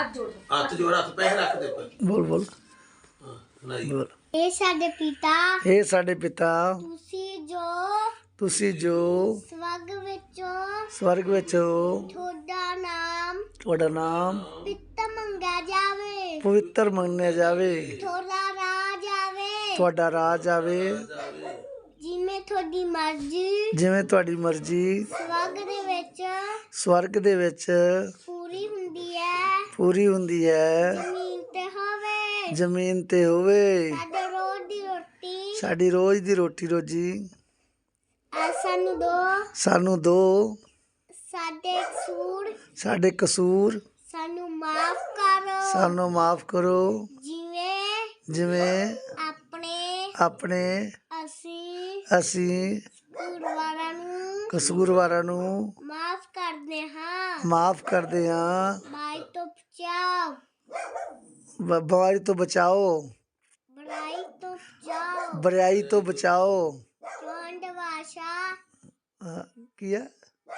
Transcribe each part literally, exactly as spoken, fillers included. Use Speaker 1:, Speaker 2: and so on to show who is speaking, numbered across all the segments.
Speaker 1: ਹੱਥ ਜੋੜ ਹੱਥ ਪੈਸੇ ਰੱਖ ਦੇ ਉੱਪਰ
Speaker 2: बोल बोल
Speaker 1: ਹਾਂ ਨਹੀਂ
Speaker 2: बोल
Speaker 3: ਇਹ ਸਾਡੇ ਪਿਤਾ
Speaker 2: हे साडे पिता
Speaker 3: ਤੁਸੀਂ ਜੋ
Speaker 2: तुसी जो
Speaker 3: ਸਵਰਗ ਵਿੱਚੋਂ
Speaker 2: स्वर्ग विच हो
Speaker 3: ਤੁਹਾਡਾ ਨਾਮ
Speaker 2: तुहाडा नाम
Speaker 3: ਪਿਤਾ ਮੰਗਿਆ ਜਾਵੇ
Speaker 2: पवित्र मन्निया जावे
Speaker 3: ਤੁਹਾਡਾ ਰਾਜ ਆਵੇ
Speaker 2: तुहाडा राज आवे
Speaker 3: ਜਿਵੇਂ ਤੁਹਾਡੀ ਮਰਜ਼ੀ
Speaker 2: जिवें तुहाडी मर्जी
Speaker 3: ਸਵਰਗ ਦੇ ਵਿੱਚ
Speaker 2: स्वर्ग दे विच
Speaker 3: ਪੂਰੀ ਹੁੰਦੀ ਹੈ
Speaker 2: पूरी हुंदी है
Speaker 3: ਜ਼ਮੀਨ ਤੇ ਹੋਵੇ
Speaker 2: जमीन ते होवे
Speaker 3: ਸਾਡੇ ਰੋਜ਼ ਦੀ ਰੋਟੀ
Speaker 2: साडी रोज दी रोटी रोजी
Speaker 3: ਆ ਸਾਨੂੰ ਦੋ
Speaker 2: सानू दो
Speaker 3: ਸਾਡੇ ਕਸੂਰ
Speaker 2: साडे कसूर
Speaker 3: ਸਾਨੂੰ ਮਾਫ ਕਰੋ
Speaker 2: सानू माफ करो
Speaker 3: ਜਿਵੇਂ
Speaker 2: जिवें
Speaker 3: ਆਪਣੇ
Speaker 2: अपने
Speaker 3: ਅਸੀਂ
Speaker 2: ਅਸੀਂ
Speaker 3: ਗੁਰਵਾਰਾਂ ਨੂੰ
Speaker 2: ਕਸੂਰਵਾਰਾਂ ਨੂੰ
Speaker 3: ਮਾਫ ਕਰਦੇ ਹਾਂ
Speaker 2: ਮਾਫ ਕਰਦੇ ਹਾਂ
Speaker 3: ਬਾਈ ਤੋਂ ਬਚਾਓ
Speaker 2: ਬ- ਬਿਮਾਰੀ ਤੋਂ ਬਚਾਓ
Speaker 3: ਬੁਰਾਈ ਤੋਂ ਬਚਾਓ
Speaker 2: ਬੁਰਾਈ ਤੋਂ ਬਚਾਓ
Speaker 3: ਚੌਂਡ ਭਾਸ਼ਾ
Speaker 2: ਹਾਂ, ਕੀ ਹੈ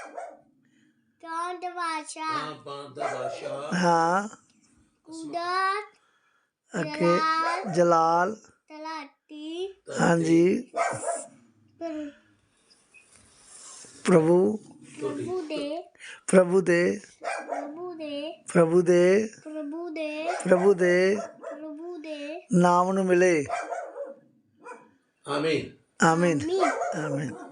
Speaker 3: ਚੌਂਡ ਭਾਸ਼ਾ
Speaker 1: ਹਾਂ ਬਾਂਦ ਦਾ ਬਾਦਸ਼ਾਹ
Speaker 2: ਹਾਂ
Speaker 3: ਕੁਦਰਤ
Speaker 2: ਅੱਗੇ ਜਲਾਲ
Speaker 3: ਤਲਾਟੀ
Speaker 2: ਹਾਂਜੀ
Speaker 3: ਪਰ-
Speaker 2: ਪ੍ਰਭੂ
Speaker 3: ਪ੍ਰਭੂ ਦੇ
Speaker 2: ਪ੍ਰਭੂ ਦੇ
Speaker 3: ਪ੍ਰਭੂ ਦੇ
Speaker 2: ਪ੍ਰਭੂ ਦੇ
Speaker 3: ਪ੍ਰਭੂ ਦੇ
Speaker 2: ਪ੍ਰਭੂ ਦੇ
Speaker 3: ਪ੍ਰਭੂ ਦੇ
Speaker 2: ਨਾਮ ਨੂੰ ਮਿਲੇ
Speaker 1: ਆਮੀਨ
Speaker 2: ਆਮੀਨ
Speaker 3: ਮੀਨ
Speaker 2: ਆਮੀਨ